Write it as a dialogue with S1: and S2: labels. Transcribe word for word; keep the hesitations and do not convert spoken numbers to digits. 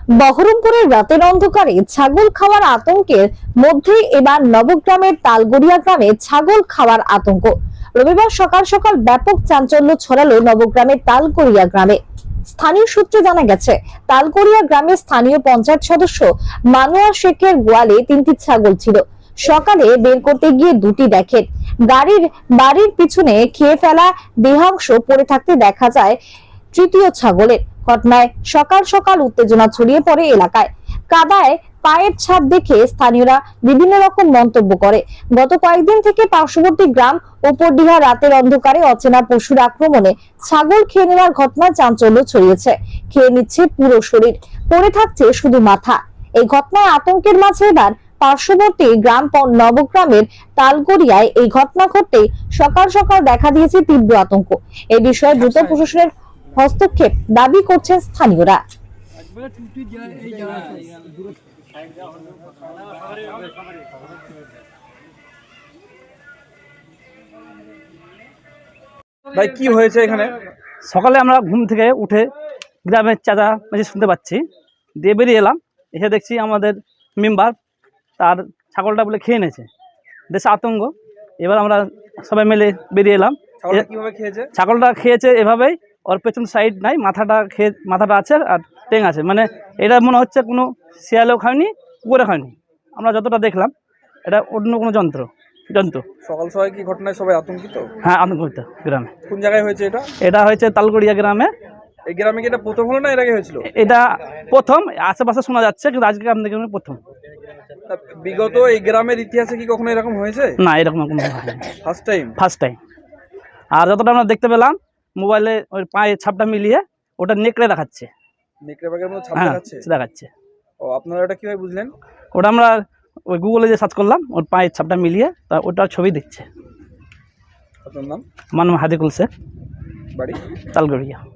S1: বহরমপুরের রাতের অন্ধকারে ছাগল খাওয়ার আতঙ্কের মধ্যে এবার নবগ্রামের তালগড়িয়া গ্রামে ছাগল খাওয়ার আতঙ্ক। রবিবার সকাল সকাল ব্যাপক চাঞ্চল্য ছড়ালো নবগ্রামের তালগড়িয়া গ্রামে। স্থানীয় সূত্রে জানা গেছে, তালগড়িয়া গ্রামের স্থানীয় পঞ্চায়েত সদস্য মানুয়া শেখের গোয়ালে তিনটি ছাগল ছিল। সকালে বের করতে গিয়ে দুটি দেখেন গাড়ির বাড়ির পিছনে খেয়ে ফেলা দেহাংশ পড়ে থাকতে দেখা যায় তৃতীয় ছাগলের। ঘটনায় সকাল সকাল উত্তেজনা ছড়িয়ে পড়ে এলাকায়। কাদায় পায়ের ছাপ দেখে স্থানীয়রা বিভিন্ন রকম মন্তব্য করে। গত কয়েকদিন থেকে পার্শ্ববর্তী গ্রাম উপরডিহা রাতের অন্ধকারে অচেনা পশুর আক্রমণে ছাগল খেয়ে নেওয়ার ঘটনায় চাঞ্চল্য ছড়িয়েছে। খেয়ে নিচ্ছে পুরো শরীর, পড়ে থাকছে শুধু মাথা। এই ঘটনায় আতঙ্কের মাঝে এবার পার্শ্ববর্তী গ্রাম নবগ্রামের তালগড়িয়ায় এই ঘটনা ঘটতেই সকাল সকাল দেখা দিয়েছে তীব্র আতঙ্ক। এই বিষয়ে দ্রুত প্রশাসনের হস্তক্ষেপ দাবি করছেন স্থানীয়রা।
S2: ভাই কি হয়েছে এখানে?
S3: সকালে আমরা ঘুম থেকে উঠে গ্রামের চাচা মেঝে শুনতে পাচ্ছি, দিয়ে বেরিয়ে এলাম। এসে দেখছি আমাদের মেম্বার তার ছাগলটা বলে খেয়ে নিয়েছে। দেশে আতঙ্ক। এবার আমরা সবাই মিলে বেরিয়ে এলাম।
S2: কিভাবে খেয়েছে?
S3: ছাগলটা খেয়েছে এভাবেই, ওর পেছন সাইড নাই, মাথাটা খেয়ে মাথাটা আছে আর টেং আছে। মানে এটা মনে হচ্ছে কোনো শিয়ালেও খায়নি, কুকুরে খায়নি। আমরা যতটা দেখলাম এটা অন্য কোনো যন্ত্র জন্তু।
S2: সকাল সকাল কি ঘটনায় সবাই আতঙ্কিত?
S3: হ্যাঁ, আতঙ্কিত গ্রামে।
S2: কোন জায়গায় হয়েছে এটা?
S3: এটা হয়েছে তালগড়িয়া গ্রামে।
S2: এই গ্রামে কি এটা প্রথম হলো না এর আগে হয়েছিল?
S3: এটা প্রথম, আশেপাশে শোনা যাচ্ছে, কিন্তু আজকে আপনাদের গ্রামে প্রথম।
S2: বিগত এই গ্রামের ইতিহাসে কি কখনো এরকম হয়েছে?
S3: না, এরকম কোনো
S2: ফার্স্ট টাইম
S3: ফার্স্ট টাইম। আর যতটা আমরা দেখতে পেলাম মোবাইলে ওই পায়ের ছাপটা মিলিয়ে ওটা নেকড়ে দেখাচ্ছে।
S2: নেকড়ে বাঘের মতো ছাপ
S3: হ্যাঁ,
S2: দেখাচ্ছে?
S3: দেখাচ্ছে।
S2: ও, আপনারা এটা কিভাবে বুঝলেন?
S3: ওটা আমরা ওই গুগলে যে সার্চ করলাম, ওর পায়ের ছাপটা মিলিয়ে তা ওটার ছবি দিচ্ছে।
S2: আপনার নাম?
S3: আমার নাম হাদিকুল শেখ,
S2: বাড়ি
S3: তালগড়িয়া।